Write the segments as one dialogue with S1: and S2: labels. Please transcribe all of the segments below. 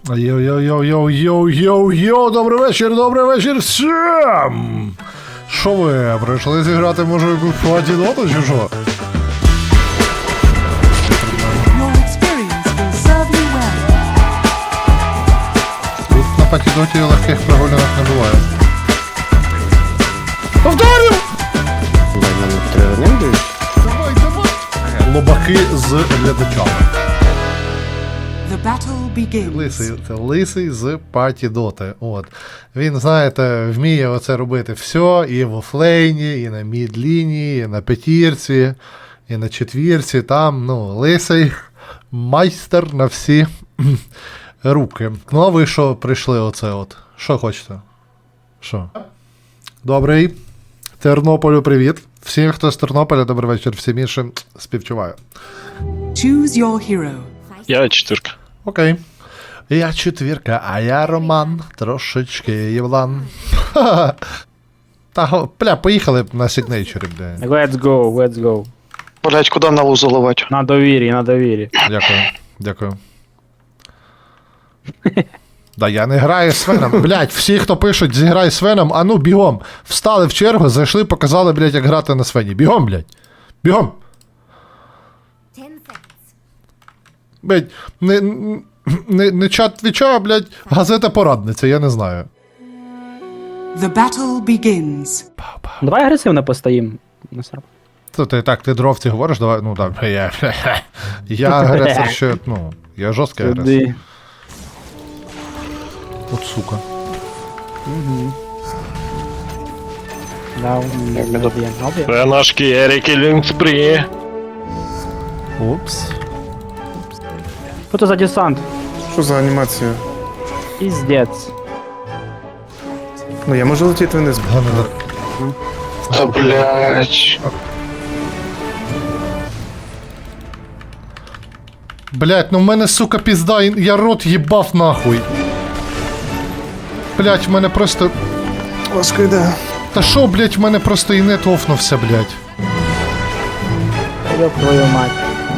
S1: Йоу-йоу-йоу-йоу-йоу-йоу, добрий вечір всім! Що ви, прийшли зіграти, може, якусь платіноту чи що?
S2: Your experience will serve you well.
S1: Тут на патідоті легких прогулянок не буває. Повторю! Давай, давай! Лобаки з глядачами.
S2: The battle begins.
S1: Це лисий з патідоти. От. Він, знаєте, вміє оце робити все, і в офлейні, і на мідлінії, і на п'ятірці, і на четвірці. Там, ну, лисий майстер на всі руки. Ну, а ви що прийшли оце от? Що хочете? Що? Добрий. Тернополю привіт. Всім, хто з Тернополя, добрий вечір. Всім іншим співчуваю.
S2: Choose your hero.
S3: Я четвірка.
S1: Окей. Я четвірка, а я Роман. Трошечки Євлан. Та, бля, поїхали на сигнейчері, бля.
S4: Let's go.
S3: Блять, куди на лузу ливати?
S4: На довірі.
S1: Дякую. Да я не граю з Свеном. Блять, всі, хто пишуть, зіграй з Свеном, а ну бігом. Встали в чергу, зайшли, показали, блять, як грати на Свені. Бігом, блять. Бігом. Блять, не чат твіча, блять, газета порадниця, я не знаю.
S2: The battle begins.
S4: Давай агресивно постоїм.
S1: То ти так, ти дровці говориш, давай, ну так, я агресор ще, ну, я жорсткий агресор.
S4: Туди.
S1: От сука.
S4: Да,
S3: Це наш Кері Кілінг Спрі.
S1: Упс.
S4: Що це за десант?
S5: Що за анімація?
S4: Піздець.
S5: Ну я можу летіти вниз.
S3: Та блять.
S1: Блять, ну в мене, сука, пізда, я рот їбав нахуй. Блять, в мене просто...
S5: Важко йде.
S1: Та шо, блять, в мене просто і нет офнувся, блять.
S4: Ёб твою мать.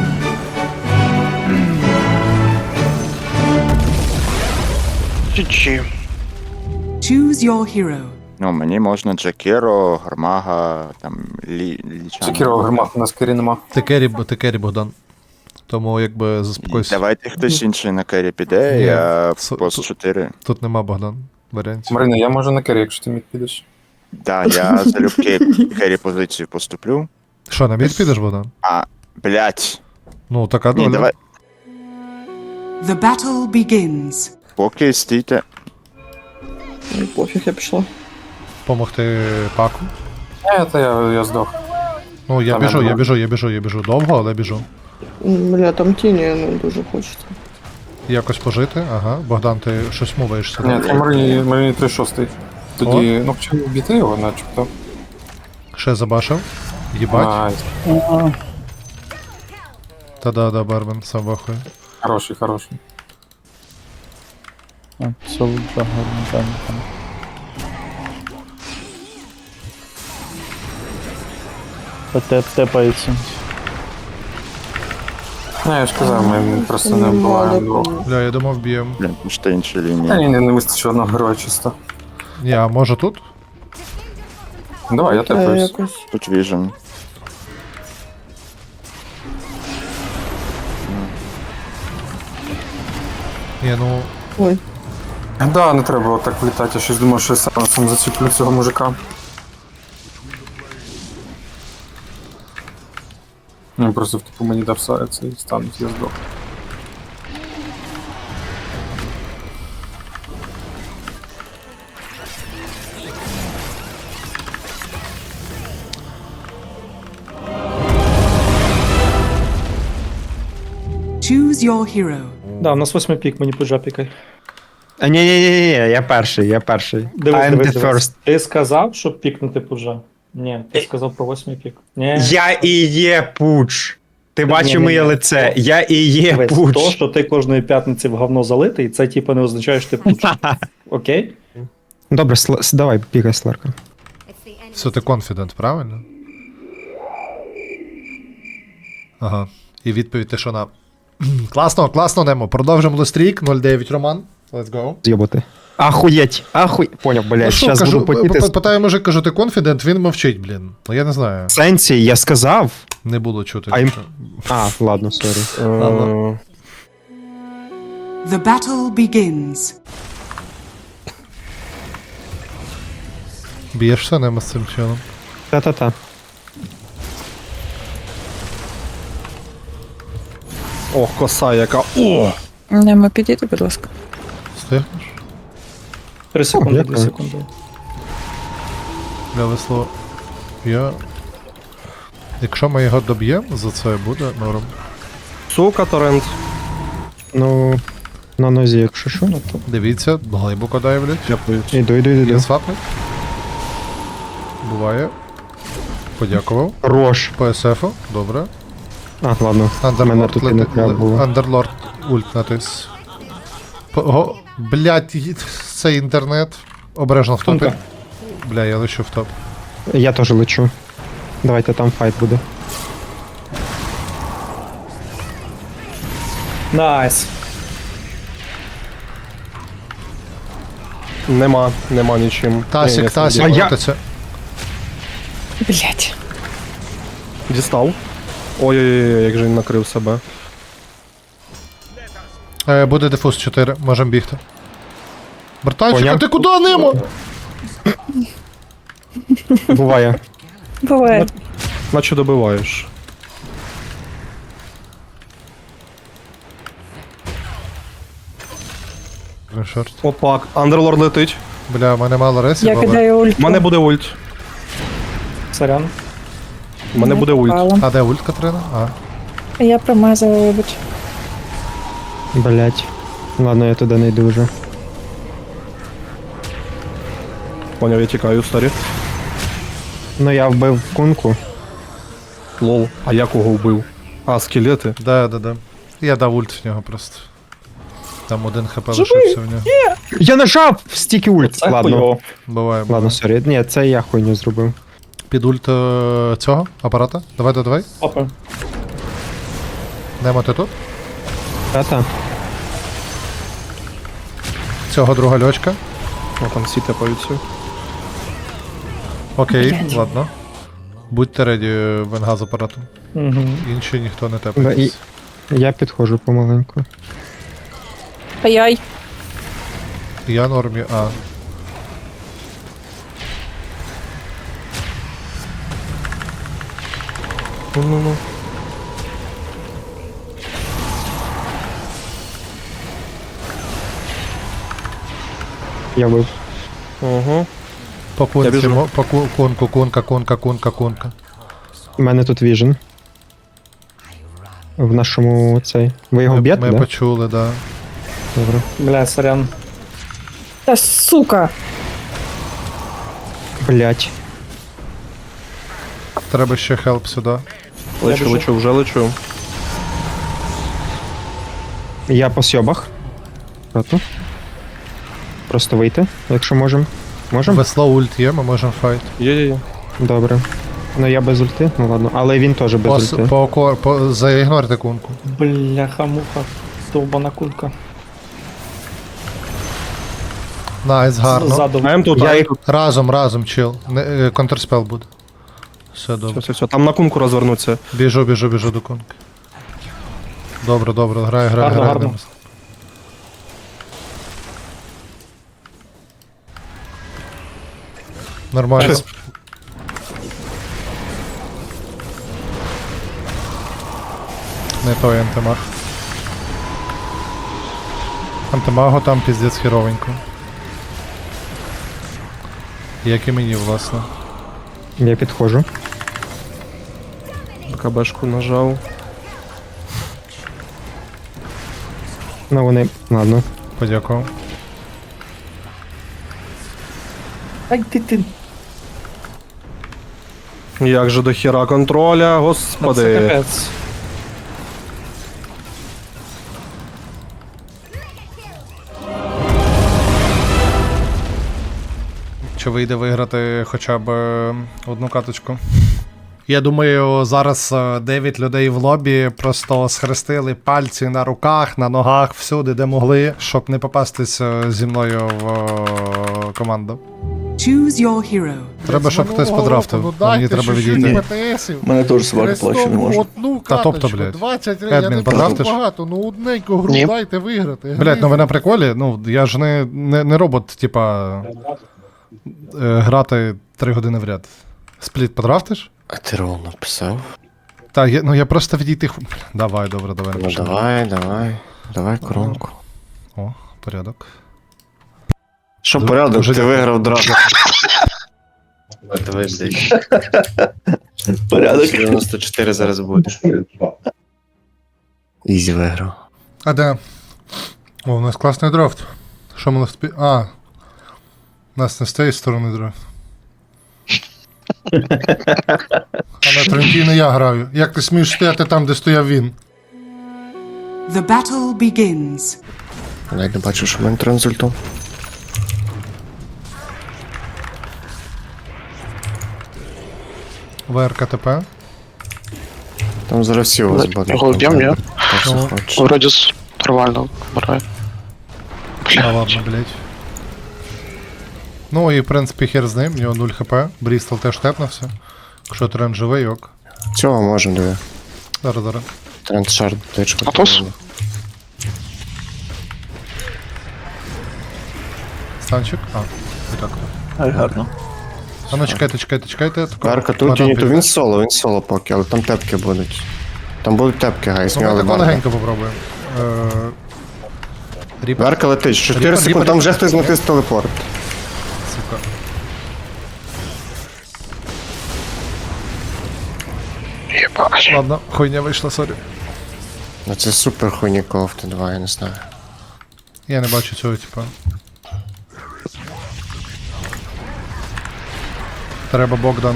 S3: Чі-чі.
S2: Choose your hero.
S6: Ну, мені можна Джакіро, Гармага, там, Лічана.
S5: Чекіро, гармат, у нас кері нема.
S1: Ти кері, Богдан. Тому, якби, заспокойся.
S6: Давайте хтось інший на керрі піде,
S1: Ні,
S6: я
S1: су-
S6: в пост 4.
S1: Тут нема, Богдан, варіантів.
S5: Марина, я можу на кері, якщо ти мід підеш.
S6: Да, я залюбки керрі позицію поступлю.
S1: Що, на мід підеш, Богдан?
S6: А, блять.
S1: Ну, така
S6: Ні,
S1: доля.
S6: давай,
S2: The battle begins.
S6: поки стійте.
S7: Пофіг, я пішла.
S1: Помогти паку.
S5: Я здох.
S1: Ну, я
S5: Там
S1: біжу,
S5: я
S1: я біжу. Довго, але біжу.
S7: Бля, там тіні не дуже хочеться.
S1: Якось пожити, ага. Богдан, ти щось моваєшся.
S5: Ні, це Марині 3-6. Тоді, ну чому обійти його, начебто.
S1: Ще забашив. Їбать.
S5: Найс.
S1: Та-да, Бармен, сам вахує.
S5: Хороший.
S4: Тепається.
S5: Не, я ж казав, ми просто не була двох.
S1: Бля, я думав, б'єм.
S6: Блін, може інші
S5: Та
S6: лінії.
S5: ні, не вистачило одного героя чисто.
S1: Ні, а може тут?
S5: Давай, я тепаюсь.
S7: Якось.
S6: Тут віжен.
S1: Ні, ну.
S7: Ой.
S5: Да, не треба було так влітати, я щось думав, що я сам зачіплю цього мужика. Він просто типу мені дав це і стануть, я здох.
S2: Choose your hero.
S8: Да, у нас 8 пік, мені пуджа пікай.
S9: А ні, я перший.
S8: Дивись,
S9: I'm
S8: дивись,
S9: the
S8: дивись.
S9: first.
S8: Ти сказав, щоб пікнути пуджа? Ні, ти сказав про 8 пік. Ні.
S9: Я і є пуч. Ти бачив
S8: Ні-ні-ні.
S9: моє лице. Я і є
S8: Дивись,
S9: пуч.
S8: то, що ти кожної п'ятниці в говно залитий, це типу не означає, що ти пуч. Окей?
S9: Добре, давай, пікай Сларка.
S1: Все, ти конфідент, правильно? Ага. І відповідь ти що на. Класно, Немо. Продовжимо лестрік. 0-9 Роман. Let's go.
S9: З'єбати. Ахуєть, Поняв, блядь,
S1: Ну що,
S9: щас
S1: кажу,
S9: буду потіти.
S1: питаю мужик, кажу, ти конфідент, він мовчить, блін. Ну я не знаю,
S9: В сенсі, я сказав.
S1: не було чути.
S9: А їм- Ладно, сорі.
S1: Ладно.
S2: The battle begins.
S1: Б'єшся ними з цим чином.
S9: Та-та-та.
S3: Ох, коса яка. О!
S7: Нема підійти, будь ласка.
S1: Встигнеш?
S8: 3 секунди,
S9: дякую.
S8: 2 секунди.
S1: Для весло. Я. Якщо ми його доб'ємо, за це буде норм.
S3: Сука, торрент.
S9: Ну, на нозі, якщо що.
S1: Дивіться, глибоко дайвлять.
S3: Дякують.
S9: Іду.
S1: Є свапнуть. Буває. Подякував.
S9: Рош.
S1: По СФу, добре.
S9: Ладно. Мене
S1: Андерлорд
S9: тут і не треба було.
S1: Андерлорд ульт натис. Блять, це інтернет. Обережно в топі.
S8: Тонка.
S1: Бля, я лечу в топ.
S9: Я теж лечу. Давайте там файт буде.
S8: Найс.
S3: Нема нічим.
S1: Тасік,
S3: Ні,
S1: Тасік,
S9: А я-
S1: крутиться.
S7: Блять.
S3: Дістав. Ой-ой-ой, як же він накрив себе.
S1: Буде дефуз 4, можемо бігти. Братанчик, а
S9: Поняв.
S1: ти куди нимо?
S9: Буває.
S7: Буває.
S3: Наче добиваєш.
S1: Шорт.
S3: Опак, Андерлорд летить.
S1: Бля, в мене мало ресів,
S7: Я
S1: але...
S7: кидаю ульт.
S3: У мене буде ульт.
S8: Сорян.
S3: У мене буде ульт.
S1: А де ульт, Катрина? А.
S7: Я промазала, вибач.
S9: Блять. Ладно, я туди не йду вже.
S3: Поняв, я тікаю, старі.
S9: Ну я вбив кунку.
S3: Лол. А я кого вбив? А, скелети.
S1: Да. Я дав ульт в нього просто. Там один хп лишився в нього.
S9: Я нажав стільки ульт.
S8: Це
S9: Ладно.
S8: хуйово.
S1: Буває.
S9: Ладно, сорі. Ні, це я хуйню зробив.
S1: Під ульт цього апарата. Давай.
S8: Опа.
S1: Немо ти тут.
S9: Та-та.
S1: Цього друга льочка.
S3: О, там всі тепаються.
S1: Окей, ладно. Будьте реді, венга з апаратом.
S8: Угу.
S1: Інші ніхто не
S9: Да,
S1: тепає.
S9: і... Я підходжу помаленьку.
S7: Ай-яй.
S1: Я нормі, а.
S3: Ну.
S9: Я вбив.
S3: Ого.
S1: По кунці,
S3: біжу.
S1: по кунка.
S9: У мене тут віжен. В нашому цей. Ви його б'єте,
S1: Ми
S9: да?
S1: почули, да.
S9: Добре.
S8: Бля, сорян.
S7: Та сука.
S9: Блять.
S1: Треба ще хелп сюди.
S3: Лечу, вже лечу.
S9: Я по сьобах. Проти. Просто вийти, якщо можемо. Можемо?
S1: Весло ульт є, ми можемо файт.
S3: Є.
S9: Добре. Ну я без ульти, ну ладно. Але він теж без ульти.
S1: Заігнорте кунку.
S8: Бляха-муха. Довбана кулька.
S1: Найс, гарно.
S8: Ззаду.
S3: А М тут,
S9: Я
S3: а М
S9: їх-
S3: тут.
S1: Разом, чил. Контрспел буде. Все добре.
S3: Все. Там на кунку розвернуться.
S1: Біжу до кунки. Добре, грай.
S8: Гарно.
S1: Демис. Нормально.
S8: Щас.
S1: Не той антимаг. Антимагу там піздець херовенько. Як і мені, власне.
S9: Я підходжу.
S3: БКБшку нажав.
S9: Ну вони. Ладно.
S1: Подякував.
S8: Ай ти.
S3: Як же до хіра контроля,
S8: Це
S3: господи.
S8: капець.
S1: Чи вийде виграти хоча б одну каточку? Я думаю, зараз 9 людей в лобі просто схрестили пальці на руках, на ногах, всюди, де могли, щоб не попастись зі мною в команду.
S2: Choose your hero.
S1: Треба, щоб хтось подрафтив. Мені треба відійти.
S8: Мене теж собака плаче, не може.
S1: Та тобто, блядь.
S10: 20
S1: Едмін, подрафтиш?
S10: багато, ну одненьку гру
S9: Ні.
S10: дайте виграти.
S1: Блядь, ну ви на приколі? Ну, я ж не робот, типа, грати 3 години в ряд. Спліт подрафтиш?
S3: А ти рол написав?
S1: Та, я просто відійти. Давай, добре, давай.
S3: Ну
S1: напишемо.
S3: давай коронку.
S1: О, порядок.
S3: Що
S1: Ду-
S3: порядок,
S1: дуже
S3: ти
S1: дякую.
S3: виграв драфт. Давай,
S8: Порядок.
S3: 94 зараз буде. Ізі виграв.
S1: А де? О, у нас класний драфт. Що ми спі... А. У нас не з цієї сторони драфт. А на Трентіно я граю. Як ти смієш стояти там, де стояв він?
S2: The battle begins.
S3: Я навіть не бачу, що в мене транзультом.
S1: ВРКТП.
S3: Там зараз всі у вас будуть.
S11: Голуб'ям, ні?
S3: Так, що хочеш.
S11: Вроді нормально вмирає.
S1: А ладно, блять. Ну і в принципі хер з ним, у нього 0 хп. Брістол теж тепнувся. Якщо тренд живий, ок.
S3: Цього можемо, диви.
S1: Зараз.
S3: Тренд шард, тичку.
S11: Атос?
S1: Станчик. А, і так.
S8: Ай, гарно.
S1: А ну чекайте.
S3: Карка тут тіні, то він соло поки, але там тепки будуть. Там будуть тепки, гайс,
S1: Ну, ми
S3: сміли
S1: тако
S3: барда.
S1: легенько попробуємо. Ріпер,
S3: Верка летить, 4
S1: Ріпер,
S3: секунди, там вже
S1: Ріпер.
S3: хтось натис телепорт.
S1: сука.
S11: Єбать.
S1: Ладно, хуйня вийшла, сорі.
S3: Ну це супер хуйні кофти 2, я не знаю.
S1: Я не бачу цього, типа. Треба Богдан.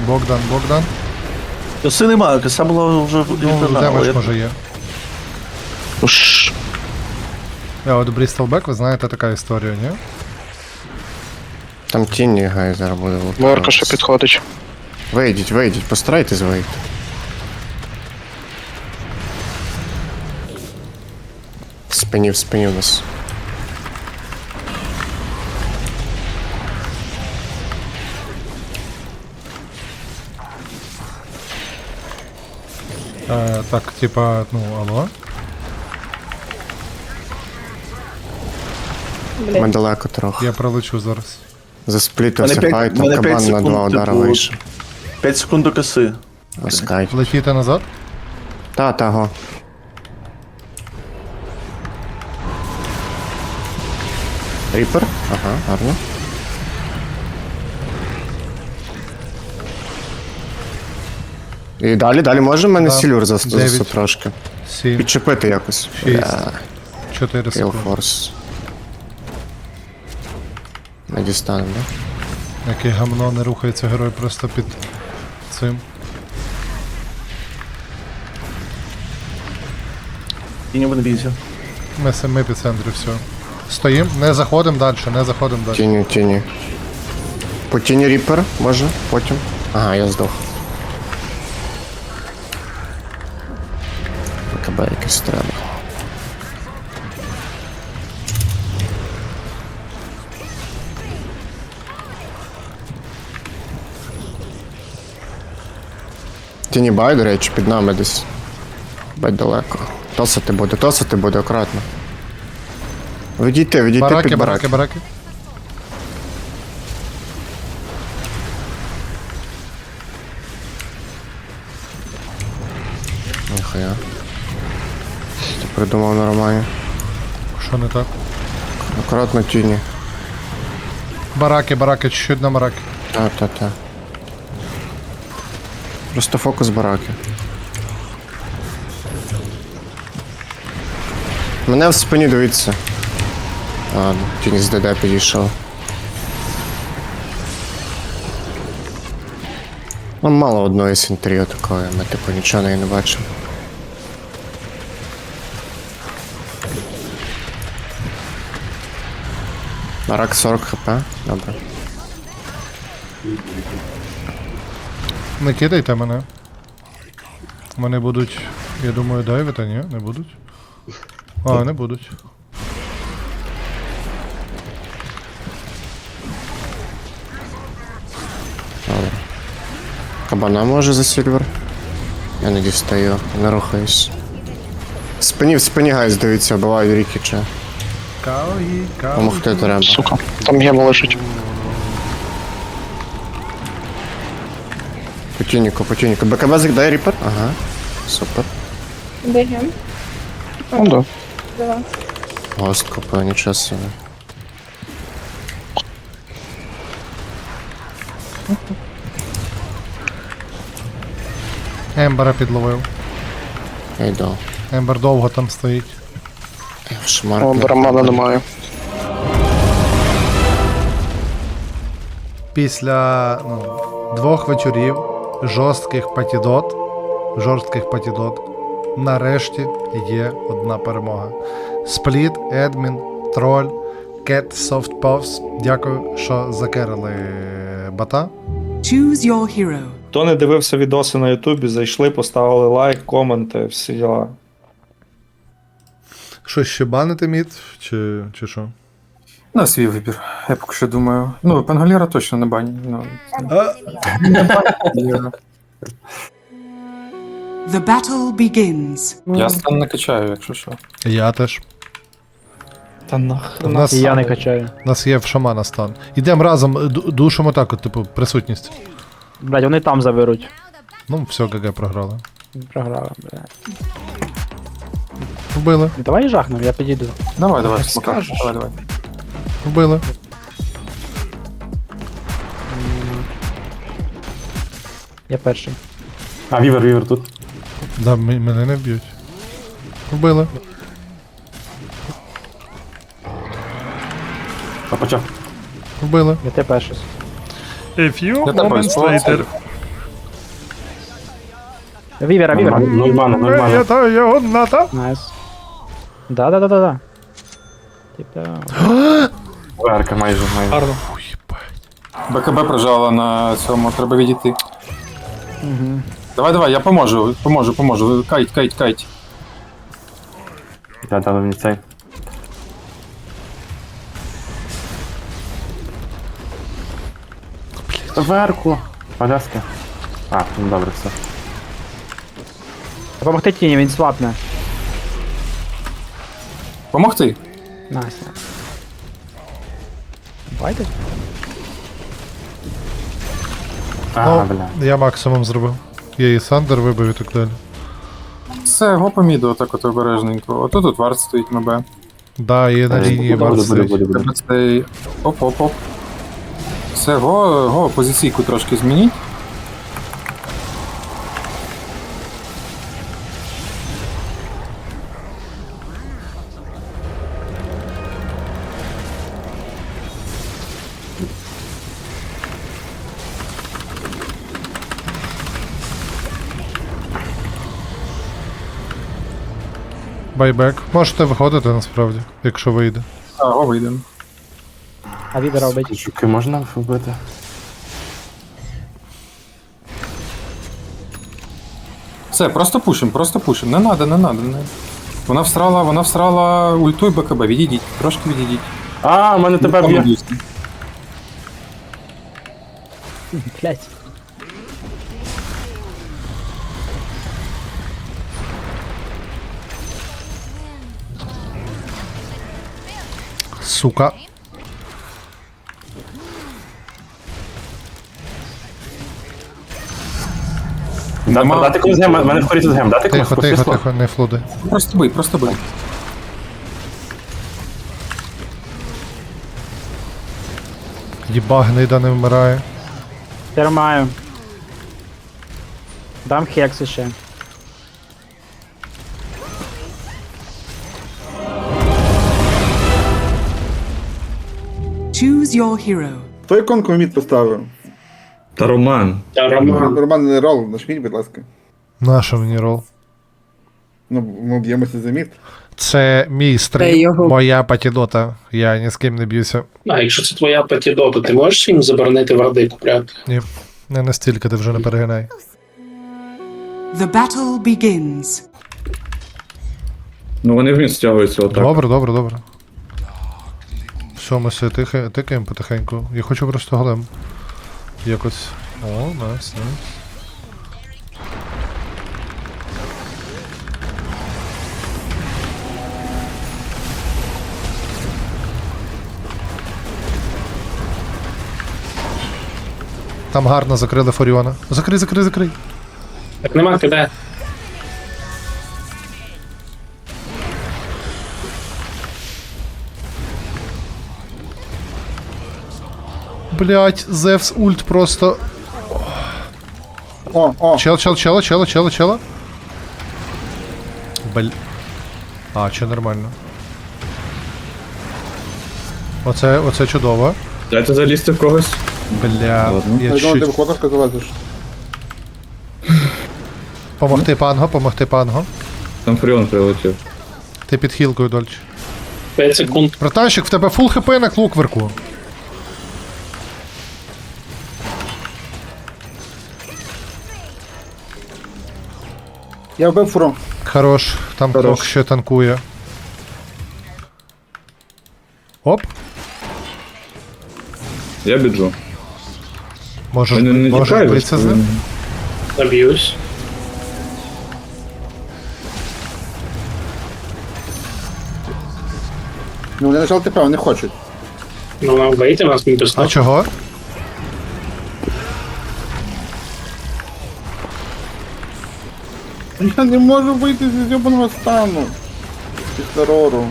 S8: Коси немає, коса була вже
S1: Ну, демедж може є.
S11: Уж.
S1: А от Брістолбек, ви знаєте, така історія, ні?
S3: Там тіні, гай, зараз буде
S11: Верка ще підходить.
S3: Вийдіть, постарайтесь вийти. В спині у нас.
S1: Так, типа, ну, алло.
S3: Ми далеко трохи.
S1: Я пролечу зараз.
S3: Засплітився
S8: Мене
S3: файт,
S8: мене
S3: там
S8: п'ять
S3: кабан на
S8: секунд,
S3: 2 удара
S8: типу,
S3: вийшов.
S8: 5 секунд до коси.
S3: Ласкай.
S1: Летіти назад?
S3: Та, го. Ріпер? Ага, гарно. І далі можемо мене
S1: Да.
S3: сілюр
S1: 9.
S3: засу трошки.
S1: 7,
S3: Підчепити якось.
S1: 6,
S3: Бля,
S1: 4 секунди.
S3: Форс. Не дістанемо, да?
S1: Яке гамно не рухається герой просто під цим.
S8: Тіні не бійся.
S1: Ми самі під центрі, все. Стоїм, не заходимо далі.
S3: Тіні. По тіні Ріпер, може, потім. Ага, я здох. БКБ якесь треба. Тіні бай, до речі, під нами десь. Бать далеко. Тосити буде акуратно. Відійти під бараки.
S1: Бараки.
S3: Ніхуя. Ти придумав нормально.
S1: Що не так?
S3: Акуратно тіні.
S1: Бараки, чуть-чуть на бараки.
S3: Та. Просто фокус бараки. Мене в спині дивіться. Ладно, тіні з ДД підійшов. Ну, мало одної синтерії такої, ми типу нічого неї не бачимо. Барак 40 хп, добре.
S1: Не кидайте мене. Вони будуть, я думаю, дайвити, ні? Не будуть? А, не будуть.
S3: Кабана може за сільвер? Я не дістаю, не рухаюсь. В спині гайз дивіться, бувають рікіча.
S1: Каої, каої.
S3: Помогти треба.
S11: Сука. Там гема лежить.
S3: По тюніку. БКБ закидає ріпер? Ага. Супер.
S7: Бігем.
S11: Ну да.
S7: Давай.
S3: Гост купив, нічого собі.
S1: Ембера підловив.
S3: Я йду.
S1: Ембер довго там стоїть.
S3: Шмарк.
S11: О, барамана немає.
S1: Після 2 вечорів жорстких патідот, нарешті є одна перемога. Спліт, Едмін, Троль, Кет, Софтпавс. Дякую, що закерили бота.
S2: Choose your hero.
S8: Хто не дивився відоси на Ютубі, зайшли, поставили лайк, коменти, всі діла.
S1: Що, ще банити мід? Чи що?
S5: На свій вибір, я поки що думаю. Ну, Пангаліра точно не бані. Ну,
S2: The battle begins.
S5: я стан не качаю, якщо що.
S1: Я теж.
S8: Та нахрен.
S1: У нас,
S4: І я не качаю.
S1: у нас є в шамана стан. Ідемо разом, душимо так, от, типу, присутність.
S4: Блядь, вони там заберуть.
S1: Ну, все, ГГ програли.
S4: Програли, блядь.
S1: Вбили,
S4: Давай жахнем, я підійду.
S5: Давай, смока. Давай.
S1: вбили.
S4: Я перший.
S8: А, вівер тут.
S1: Да, мене не вб'ють. Вбили.
S8: А почав.
S1: Вбили.
S4: Я те перший.
S5: Я тебе спробую.
S4: Вівера.
S8: Нуль мана.
S1: Я його ната.
S4: Найс. Да. Типа.
S8: Верка майже. Гарно.
S5: БКБ прижала на цьому, треба відійти.
S4: Угу.
S5: Давай, я поможу. Кайт.
S8: Да, мені цей. Верку. Поляски. А, ну добре, все.
S4: Помогти тіні, він слабне.
S5: Помогти?
S4: Найс. Байте.
S8: Ага,
S1: Ну,
S8: бля.
S1: я максимум зробив. Я і Сандер вибив і так далі.
S5: Все, го по міду, отак от обережненько. Ото тут варт стоїть на Б.
S1: Да, є на лінії варт.
S5: Треба цей... Оп. Все, го, позиційку трошки змініть.
S1: Байбек. Можете виходити насправді, якщо вийде.
S5: А, го вийдемо.
S4: А вівера робить.
S8: Жуки можна вбити?
S5: Все, просто пушим. Не надо. Вона всрала ульту і БКБ. Відійдіть, трошки відійдіть.
S8: А, у мене тебе б'є.
S4: Блять.
S1: Сука.
S8: Дати комусь гем, мене в коріті з гем, дати комусь
S1: Тихо, не флуди.
S5: Просто бий.
S1: Єба, гнида не вмирає.
S4: Термаю. Дам хекс ще.
S2: Choose your hero.
S10: Хто іконку в мід поставив?
S8: Та Роман.
S10: Роман не рол, нажміть, будь ласка.
S1: Наша мені рол.
S10: Ну, ми б'ємося за мід.
S1: Це мій
S7: Та
S1: стрім,
S7: його.
S1: моя патідота. Я ні з ким не б'юся.
S12: А якщо це твоя патідота, ти можеш їм заборонити варди купляти?
S1: Не настільки, ти вже не перегинай.
S2: The battle begins.
S12: Ну вони вміст стягуються отак.
S1: Добре, добре, добре. Все, ми все тикаємо потихеньку. Я хочу просто голем. Якось. О, найс, найс. Там гарно закрили Форіона. Закрий, закрий, закрий.
S12: Так нема киде.
S1: Блять, Зевс ульт просто.
S10: О,
S1: Чела. А, чи нормально. Оце чудово.
S12: Дайте залізти в когось.
S1: Бля, я
S10: я думаю, ти
S1: чуть.
S10: в кокошка залазиш.
S1: Помогти панго.
S12: Там Фріон прилетів.
S1: Ти під хілкою, Дольч.
S12: 5 секунд.
S1: Братанчик, в тебе фул хп на клукверку.
S10: Я вбив фуру.
S1: Хорош, там крок ще танкує. Оп,
S12: Я біджу.
S1: можеш
S12: Не тікай,
S1: битися з ним.
S12: Заб'юсь.
S10: Ну, вони нажали ТП, вони не хочуть.
S12: Ну нам вийти, нас не
S1: А
S12: достатньо.
S1: чого?
S10: Я не можу вийти зі зйобаного стану. Після рору.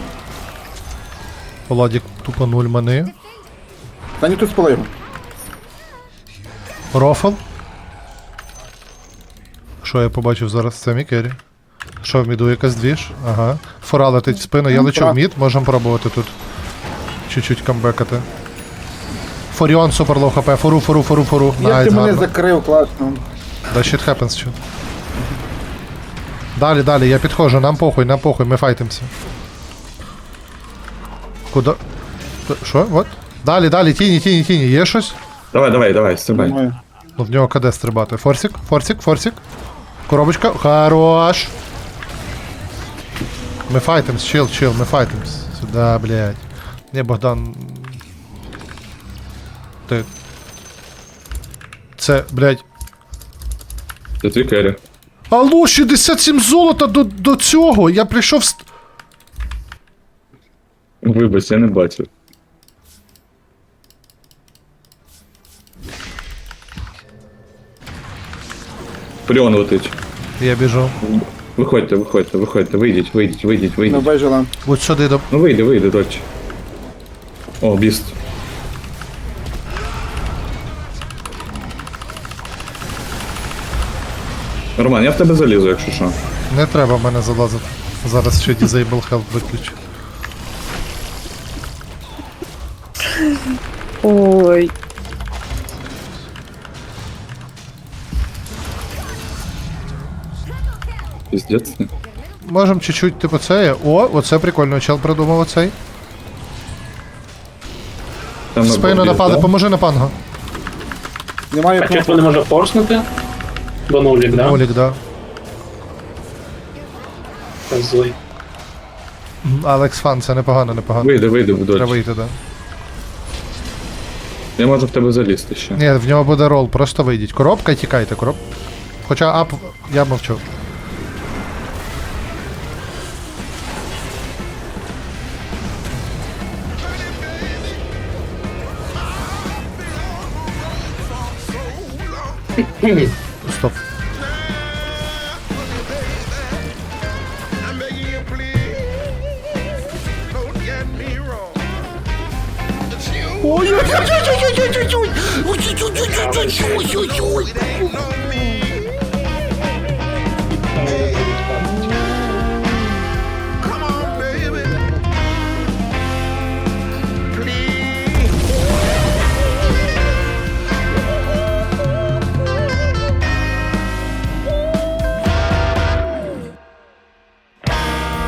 S1: Владік тупо 0 мани.
S10: Та ні, тут спали його.
S1: Рофл. Що я побачив зараз? Це Мікері. Що в міду якась двіж? Ага. Фора летить в спину, я лечу в мід, можемо пробувати тут. Чуть-чуть камбекати. Форіон супер лоу хп, фору.
S10: Як
S1: Найс,
S10: ти мене
S1: гарно.
S10: закрив, класно.
S1: Да shit happens, чут. Далі, я підходжу, нам похуй, ми файтимся. Куда? Що? Вот? Далі, тіні, є щось?
S12: Давай, стрибай.
S10: Думаю.
S1: Ну, в нього КД стрибати. Форсик. Коробочка, хорош. Ми файтимс, чил, ми файтимс. Сюда, блядь. Не, Богдан. Ти. Це, блядь.
S12: Це твій керрі.
S1: Алло, 67 золота до цього! Я прийшов з...
S12: Вибач, я не бачив. Фріон летить.
S1: Я біжу.
S12: Виходьте, вийдіть.
S10: Не бежала.
S1: Будь сюди до...
S12: Ну вийди, дочь. О, біст. Роман, я в тебе залізу, якщо що.
S1: Не треба в мене залазити. Зараз ще Disable Health виключу.
S7: Ой.
S12: Піздець.
S1: Можем чуть-чуть, типу, це. О, оце прикольно, чел придумав оцей.
S12: Там
S1: В спину
S12: біст,
S1: нападе,
S12: да?
S1: поможи на панго.
S10: Немає
S12: А
S10: кнопки.
S12: чого не може форснути? До нулік, да?
S1: Олік, да.
S12: Злий.
S1: Алекс Фан, це непогано.
S12: Вийди,
S1: Треба
S12: дочь.
S1: вийти, да.
S12: Я можу в тебе залізти ще.
S1: Ні, в нього буде рол, просто вийдіть. Коробка і тікайте, Хоча ап, я мовчу. Стоп.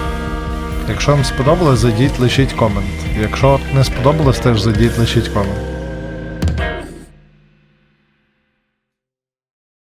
S1: Якщо вам сподобалось, зайдіть, лишіть комент. Якщо не сподобалось, теж зайдіть, лишіть комент.